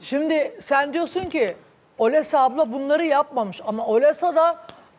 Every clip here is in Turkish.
Şimdi sen diyorsun ki Olesa abla bunları yapmamış ama Olesa da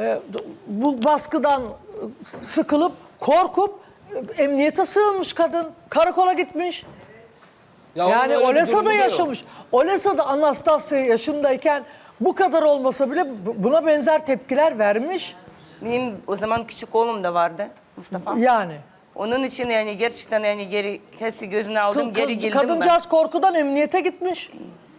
bu baskıdan sıkılıp korkup emniyete sığınmış kadın. Karakola gitmiş. Ya onun Yani öyle bir Olesa durumu da yok. yaşamış. Olesa da Anastasya yaşındayken bu kadar olmasa bile buna benzer tepkiler vermiş. Benim o zaman küçük oğlum da vardı Mustafa. Yani. Onun için yani gerçekten yani geri kesi gözüne aldım, geri geldim ben. Kadıncağız korkudan emniyete gitmiş.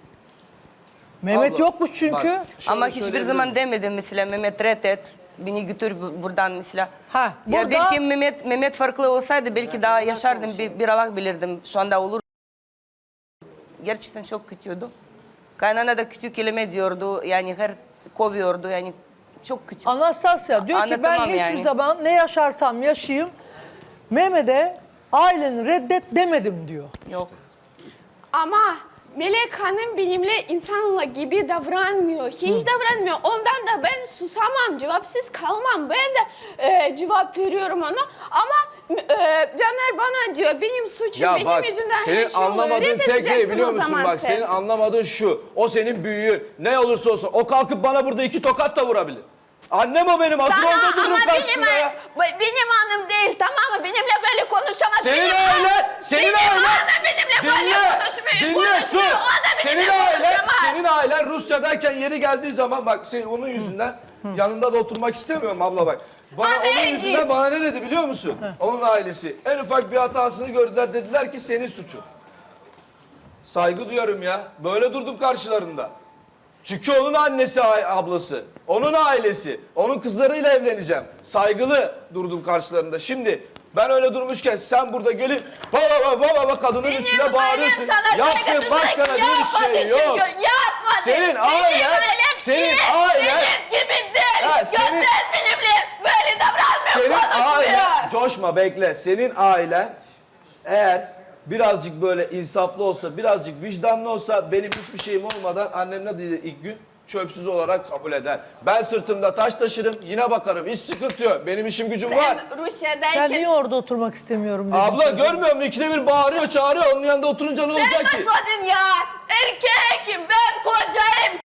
Mehmet Abla, yokmuş çünkü. bak, şöyle Ama hiçbir söyleyebilir zaman miyim? demedim mesela Mehmet reddet. Beni götür buradan mesela. Ha, Ya burada- belki Mehmet farklı olsaydı belki daha yaşardım, bir Allah bilirdim. Şu anda olur. Gerçekten çok kötüydü. Kaynana da kötü kelime diyordu. Yani her kovuyordu yani çok kötü. Anastasya diyor ki ben Anlatamam hiçbir yani. zaman ne yaşarsam yaşayayım Mehmet'e aileni reddet demedim diyor. Yok. Ama Melek Hanım benimle insanla gibi davranmıyor. Hiç davranmıyor. Ondan da ben susamam, cevapsız kalmam. Ben de cevap veriyorum ona. Ama Caner bana diyor benim suçum, Ya benim bak yüzünden her senin şey oluyor. anlamadığın tek ne Reddedeceksin biliyor o musun? zaman Bak sen. senin anlamadığın şu. O senin büyüğün. Ne olursa olsun. O kalkıp bana burada 2 tokat da vurabilir. Annem o benim. Asıl Sana orada dururum ama karşısında ya. benim hanım değil, tamam mı? Benimle böyle konuşamaz. Senin Benim ailen, hanım- senin benim ailen. hanım benimle böyle konuşmuyor. Dinle sus. O da Senin benimle ailen, konuşamaz. senin ailen Rusya'dayken yeri geldiği zaman bak onun yüzünden yanında da oturmak istemiyorum abla bak. Bana Hadi onun git. yüzünden bana ne dedi biliyor musun? Onun ailesi. En ufak bir hatasını gördüler dediler ki senin suçun. Saygı duyuyorum ya. Böyle durdum karşılarında. Çünkü onun annesi, ablası, onun ailesi, onun kızlarıyla evleneceğim. Saygılı durdum karşılarında. Şimdi ben öyle durmuşken sen burada gelip baba kadının üstüne bağırıyorsun. Yaptığın başka da bir şey yok. Çünkü yapmadı. Senin ailen, senin ailen, Senin gibi değil. Ha, senin- Gönder benimle böyle davranmıyor, senin konuşmuyor. ailen, coşma bekle. Senin ailen eğer birazcık böyle insaflı olsa, birazcık vicdanlı olsa benim hiçbir şeyim olmadan annem ne dedi ilk gün? Çöpsüz olarak kabul eder. Ben sırtımda taş taşırım, yine bakarım. Hiç sıkıntı yok. Benim işim gücüm var. Sen Rusya'dayken... Sen niye orada oturmak istemiyorum dedin. Abla görmüyor musun? İkide bir bağırıyor, çağırıyor. Onun yanında oturunca ne Sen olacak ki? nasıldın ya? Erkekim, ben kocayım.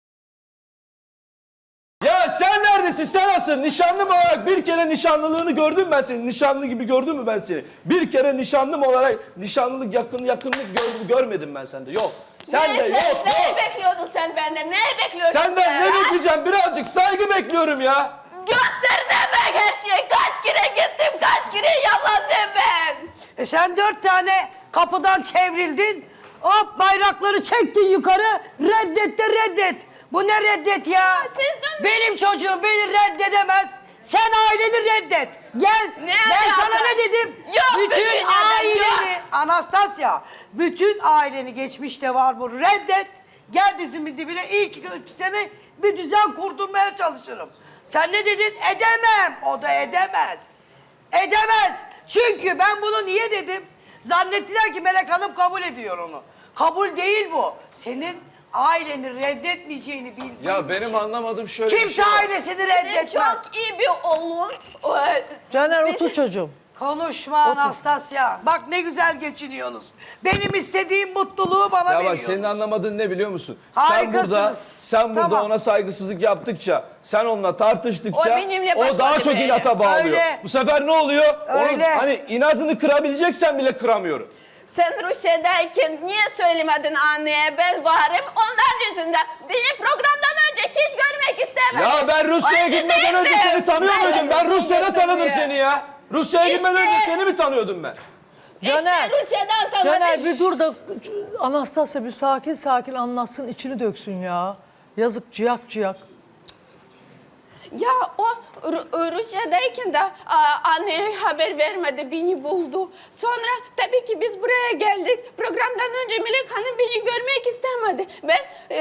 Ya sen neredesin? Sen nasıl? Nişanlım olarak bir kere nişanlılığını gördüm ben seni. Nişanlı gibi gördüm mü ben seni? Bir kere nişanlım olarak nişanlılık yakınlık görmedim ben sende. Yok. Sen de yok. Ne bekliyordun sen benden? Ne bekliyordun Senden ne ha? bekleyeceğim? Birazcık saygı bekliyorum ya. Göster demek her şeyi. Kaç kere gittim, kaç kere yalandım ben. Sen 4 tane kapıdan çevrildin. Hop bayrakları çektin yukarı. Reddet de reddet. Bu ne reddet ya? Siz dün- Benim çocuğum beni reddedemez. Sen aileni reddet. Gel. Ne Ben alaka? sana ne dedim? Yok, bütün bütün neden aileni. yok? Anastasya. Bütün aileni geçmişte var bu. Reddet. Gel dizimin dibine. İlk 2 sene bir düzen kurdurmaya çalışırım. Sen ne dedin? Edemem. O da edemez. Edemez. Çünkü ben bunu niye dedim? Zannettiler ki Melek Hanım kabul ediyor onu. Kabul değil bu. Senin aileni reddetmeyeceğini bildiğin Ya benim için. anlamadığım şöyle bir Kimse şey var. ailesini Senin reddetmez. çok iyi bir oğlun. Caner Biz- otur çocuğum. Konuşma Anastasya. Bak ne güzel geçiniyorsunuz. Benim istediğim mutluluğu bana Ya bak veriyorsunuz. senin anlamadığın ne biliyor musun? Harikasınız. Sen burada Tamam. ona saygısızlık yaptıkça, sen onunla tartıştıkça O benimle o daha başladı çok böyle. inata bağlıyor. Öyle. Bu sefer ne oluyor? Onun Öyle. hani inadını kırabileceksen bile kıramıyorum. Sen Rusya'dayken niye söylemedin anneye ben varım? Ondan yüzünden beni programdan önce hiç görmek istemedim. Ya ben Rusya'ya Öyle gitmeden önce değildi. seni tanıyor Sen muydum? Ben nasıl Rusya'da tanıdım biliyorsun seni ya? ya. Rusya'ya gitmeden İşte- önce seni mi tanıyordum ben? Caner, İşte Rusya'dan tanıdım. Caner bir dur da Anastasya bir sakin anlatsın içini döksün ya. Yazık ciyak. Ya o Rusya'dayken de anneye haber vermedi, beni buldu. Sonra tabii ki biz buraya geldik. Programdan önce Melek Hanım beni görmek istemedi. Ben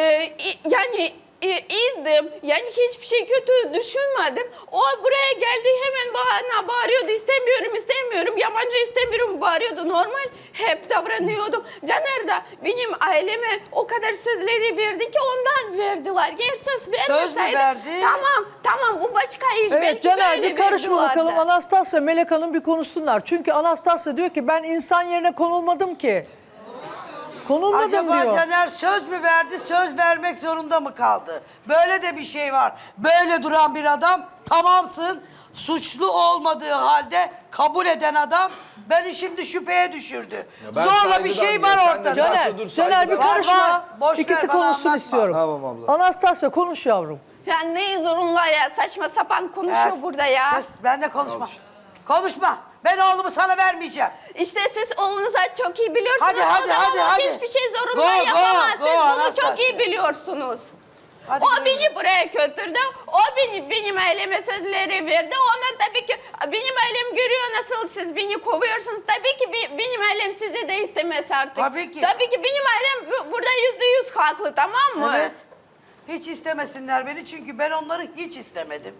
iyiydim. Yani hiçbir şey kötü düşünmedim. O buraya geldi hemen bana bağırıyordu. İstemiyorum. Yabancı istemiyorum bağırıyordu. Normal hep davranıyordum. Caner de benim aileme o kadar sözleri verdi ki ondan verdiler. Eğer söz vermeseydi. verdi? Tamam bu başka iş. Evet Belki Caner böyle bir karışma verdiler bakalım de. Anastasya Melek Hanım bir konuşsunlar. Çünkü Anastasya diyor ki ben insan yerine konulmadım ki. Konulmadım Acaba diyor. Caner söz mü verdi, söz vermek zorunda mı kaldı? Böyle de bir şey var. Böyle duran bir adam, tamamsın, suçlu olmadığı halde kabul eden adam beni şimdi şüpheye düşürdü. ben Zorla bir saygıdan şey ya, var sen de ortada. Caner, dur, Caner bir saygıdan- Var, karışma. var. Boş ver, İkisi bana konuşsun anlatma. istiyorum. Tamam abla. Anastasya konuş yavrum. Ya ne zorunlar ya, saçma sapan konuşuyor Kes, burada ya. kes, ben de konuşma. Konuşma. Ben oğlumu sana vermeyeceğim. İşte siz oğlunuza çok iyi biliyorsunuz. Hadi, hadi, O zaman hadi, o hadi. hiçbir şey zorunda Go, go, yapamaz. go, Siz bunu Anastasia. çok iyi biliyorsunuz. Hadi O güle güle. beni buraya götürdü. O benim aileme sözleri verdi. Ona tabii ki benim ailem görüyor nasıl siz beni kovuyorsunuz. Tabii ki benim ailem sizi de istemez artık. Tabii ki. Tabii ki benim ailem burada %100 haklı, tamam mı? Evet. Hiç istemesinler beni çünkü ben onları hiç istemedim.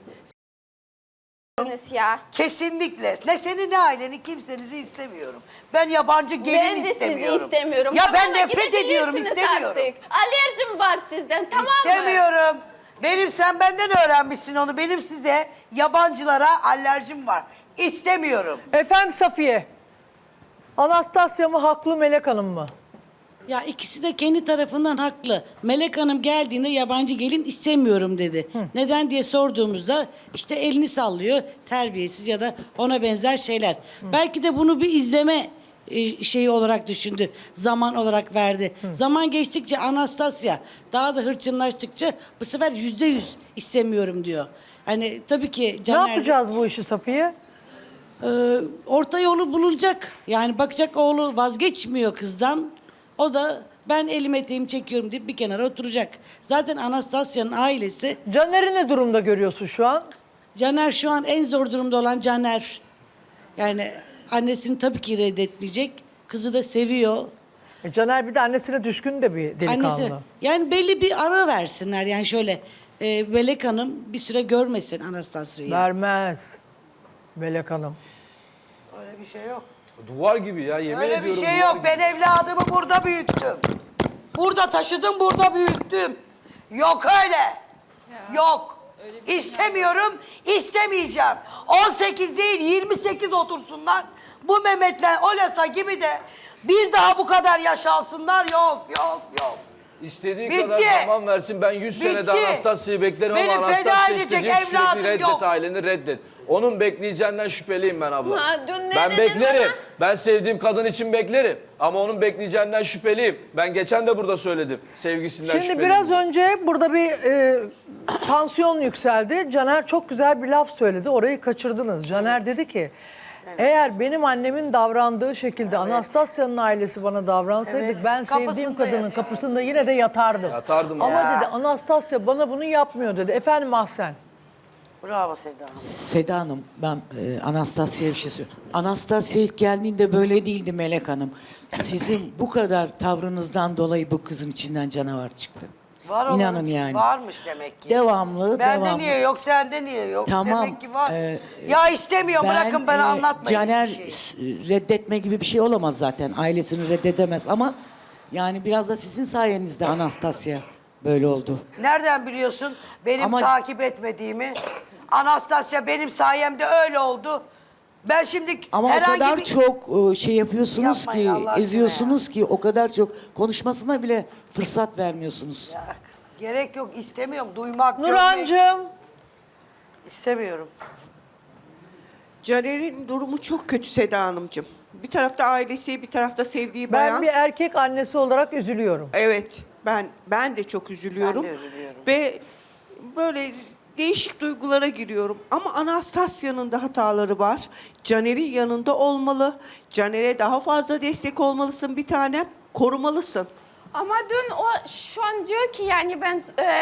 Ya. Kesinlikle. Ne seni ne aileni kimsenizi istemiyorum. Ben yabancı gelin Ben de istemiyorum. sizi istemiyorum. Ya ben Tamam, nefret ediyorum, gidebilirsiniz istemiyorum. artık. Alerjim var sizden, tamam mı? İstemiyorum. Benim sen benden öğrenmişsin onu. Benim size yabancılara alerjim var. İstemiyorum. Efendim Safiye. Anastasya mı haklı Melek Hanım mı? Ya ikisi de kendi tarafından haklı. Melek Hanım geldiğinde yabancı gelin istemiyorum dedi. Neden diye sorduğumuzda işte elini sallıyor, terbiyesiz ya da ona benzer şeyler. Belki de bunu bir izleme şeyi olarak düşündü. Zaman olarak verdi. Zaman geçtikçe Anastasya daha da hırçınlaştıkça bu sefer %100 istemiyorum diyor. Hani tabii ki Ne Caner... yapacağız bu işi Safiye? Orta yolu bulunacak. Yani bakacak oğlu vazgeçmiyor kızdan. O da ben elim eteğimi çekiyorum deyip bir kenara oturacak. Zaten Anastasya'nın ailesi, Caner'i ne durumda görüyorsun şu an? Caner şu an en zor durumda olan Caner. Yani annesini tabii ki reddetmeyecek. Kızı da seviyor. Caner bir de annesine düşkün de bir delikanlı. Annesi, yani belli bir ara versinler. Yani şöyle Melek Hanım bir süre görmesin Anastasya'yı. Vermez. Melek Hanım. Öyle bir şey yok. Duvar gibi ya, yemin Öyle ediyorum. bir şey duvar yok. gibi. Ben evladımı burada büyüttüm. Burada taşıdım, burada büyüttüm. Yok öyle. Yok. İstemiyorum, istemeyeceğim. 18 değil, 28 otursunlar. Bu Mehmet'le Olesa gibi de bir daha bu kadar yaşansınlar. Yok, yok, yok. İstediği Bitti. kadar zaman versin. Ben 100 senede Bitti. Anastasya'yı beklerim Benim ama feda Anastasya edecek istediği evladım sürekli reddet, yok. aileni reddet. Onun bekleyeceğinden şüpheliyim ben abla. Ha, dün ne Ben dedin beklerim. bana? Ben sevdiğim kadın için beklerim. Ama onun bekleyeceğinden şüpheliyim. Ben geçen de burada söyledim. Sevgisinden Şimdi şüpheliyim. biraz önce burada bir tansiyon yükseldi. Caner çok güzel bir laf söyledi. Orayı kaçırdınız. Caner dedi ki eğer benim annemin davrandığı şekilde Anastasya'nın ailesi bana davransaydı Evet, ben sevdiğim kapısında kadının yatardım. kapısında yine de yatardım. Yatardım Ama ya. dedi Anastasya bana bunu yapmıyor dedi. Efendim Ahsen. Bravo Seda Hanım. Seda Hanım, ben Anastasya'ya bir şey söyleyeyim. Anastasya ilk geldiğinde böyle değildi Melek Hanım. Sizin bu kadar tavrınızdan dolayı bu kızın içinden canavar çıktı. Var İnanın olanın yani. varmış demek ki. Devamlı, Bende devamlı. niye yok, sende niye yok? Tamam, Demek ki var. e, Ya istemiyorum, bırakın bana anlatmayın Caner hiçbir şeyi. reddetme gibi bir şey olamaz zaten. Ailesini reddedemez ama yani biraz da sizin sayenizde Anastasya böyle oldu. Nereden biliyorsun benim Ama- takip etmediğimi? Anastasya benim sayemde öyle oldu. Ben şimdi Ama o herhangi kadar bir... çok şey yapıyorsunuz Yapmayın Allah ki, aşkına eziyorsunuz ki o kadar çok konuşmasına bile fırsat vermiyorsunuz. Ya, gerek yok, istemiyorum. Duymak, görmek Nurhancığım. istemiyorum. Caner'in durumu çok kötü Seda Hanımcığım. Bir tarafta ailesi, bir tarafta sevdiği Ben bayan. bir erkek annesi olarak üzülüyorum. Evet, ben de çok üzülüyorum. Ben de üzülüyorum. Ve böyle değişik duygulara giriyorum. Ama Anastasya'nın da hataları var. Caner'in yanında olmalı. Caner'e daha fazla destek olmalısın bir tanem. Korumalısın. Ama dün o şu an diyor ki yani ben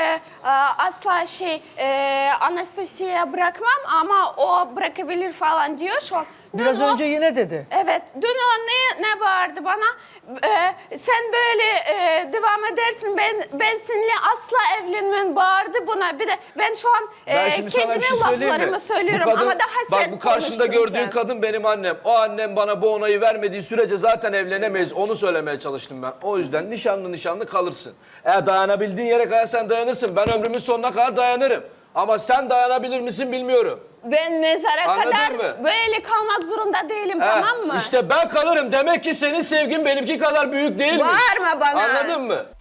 asla Anastasya'ya bırakmam ama o bırakabilir falan diyor şu an. Dün Biraz o- önce yine dedi. Evet, dün o ne bağırdı bana? Sen böyle devam edersin, ben seninle asla evlenmem bağırdı buna. Bir de ben şu an Ben şimdi sana kendime bir şey söyleyeyim mi? laflarımı söylüyorum Bu kadın, ama daha bak sert bu karşında konuştun gördüğün sen. kadın benim annem. O annem bana bu onayı vermediği sürece zaten evlenemeyiz. Onu söylemeye çalıştım ben. O yüzden nişanlı kalırsın. Eğer dayanabildiğin yere kadar sen dayanırsın. Ben ömrümün sonuna kadar dayanırım. Ama sen dayanabilir misin bilmiyorum. Ben mezara Anladın kadar mı? böyle kalmak zorunda değilim, tamam mı? İşte ben kalırım. Demek ki senin sevgin benimki kadar büyük değilmiş. Bağırma bana. Anladın mı?